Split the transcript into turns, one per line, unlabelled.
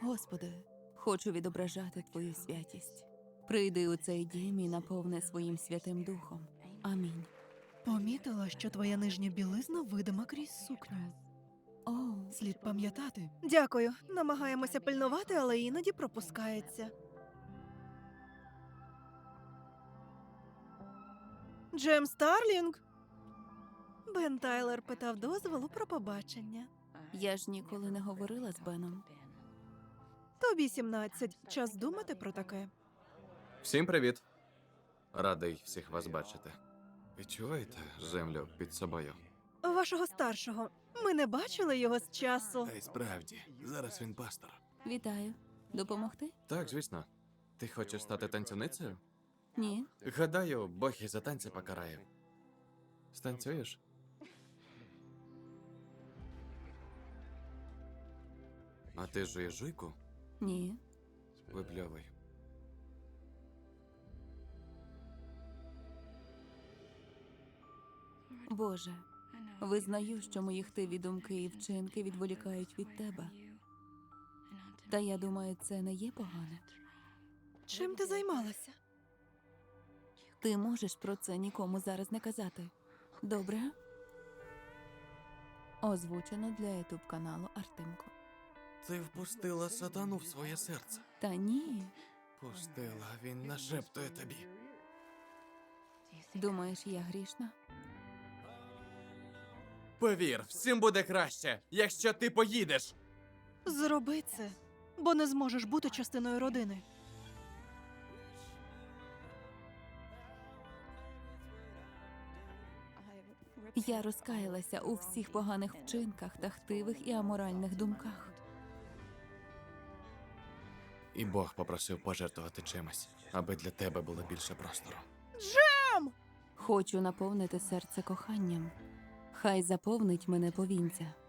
Господи, хочу відображати Твою святість. Прийди у цей дім і наповни своїм Святим Духом. Амінь.
Помітила, що твоя нижня білизна видима крізь сукню.
О,
Слід пам'ятати.
Дякую. Намагаємося пильнувати, але іноді пропускається. Джем Старлінг? Бен Тайлер питав дозволу про побачення.
я ж ніколи не говорила з Беном.
Тобі 17. Час думати про таке.
Всім привіт. Радий всіх вас бачити. Відчуваєте землю під собою?
Вашого старшого. Ми не бачили його з часу.
Та й справді, зараз він пастор.
Вітаю. Допомогти?
Так, звісно. Ти хочеш стати танцівницею?
Ні.
Гадаю, Бог і за танці покарає. Станцюєш? А ти жуєш жуйку?
Ні.
Випльовуй.
Боже, визнаю, що мої хтиві думки і вчинки відволікають від Тебе. Та я думаю, це не є погане.
Чим ти займалася?
Ти можеш про це нікому зараз не казати. Добре? Озвучено для YouTube каналу Артемко.
Ти впустила сатану в своє серце.
Та ні.
Пустила, він нашептує тобі.
Думаєш, я грішна?
Повір, всім буде краще, якщо ти поїдеш.
Зроби це, бо не зможеш бути частиною родини.
Я розкаялася у всіх поганих вчинках та хтивих і аморальних думках.
І Бог попросив пожертвувати чимось, аби для тебе було більше простору.
Хочу наповнити серце коханням. Хай заповнить мене повінця.